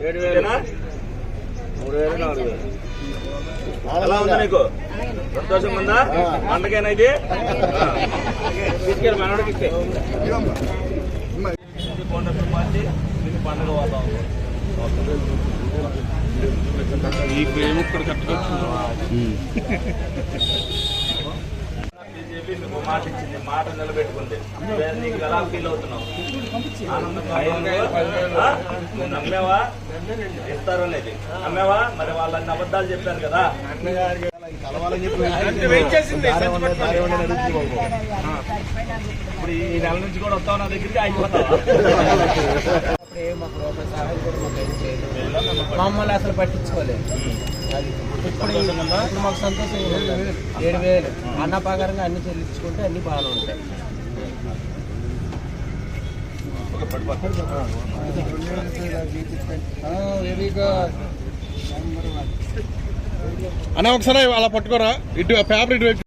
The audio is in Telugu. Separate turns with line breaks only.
3000 ఎలా ఉంది నీకు? సంతోషంగా ఉందా? పండగేనా ఇది? తీసుకెళ్ళి మనోడికి ఇచ్చే పండుగ వాతావరణం ఈ ప్రేమ ఇక్కడ చెప్పి మీకు మాట ఇచ్చింది, మాట నిలబెట్టుకుంది. నీకు ఎలా ఫీల్ అవుతున్నావు? నమ్మేవా? ఇస్తారనేది నమ్మేవా? మరి వాళ్ళని అబద్ధాలు చెప్పారు కదా. ఇప్పుడు ఈ నెల నుంచి కూడా వస్తావు నా దగ్గరికి, అయిపోతావా?
మమ్మల్ని అసలు పట్టించుకోలేదు. ఇప్పుడు మాకు సంతోషం 7,000 అన్న ప్రకారంగా అన్ని చెల్లించుకుంటే అన్ని బాగానే ఉంటాయి.
అన్న ఒకసారి అలా పట్టుకోరా, ఇటు పేపర్ ఇటు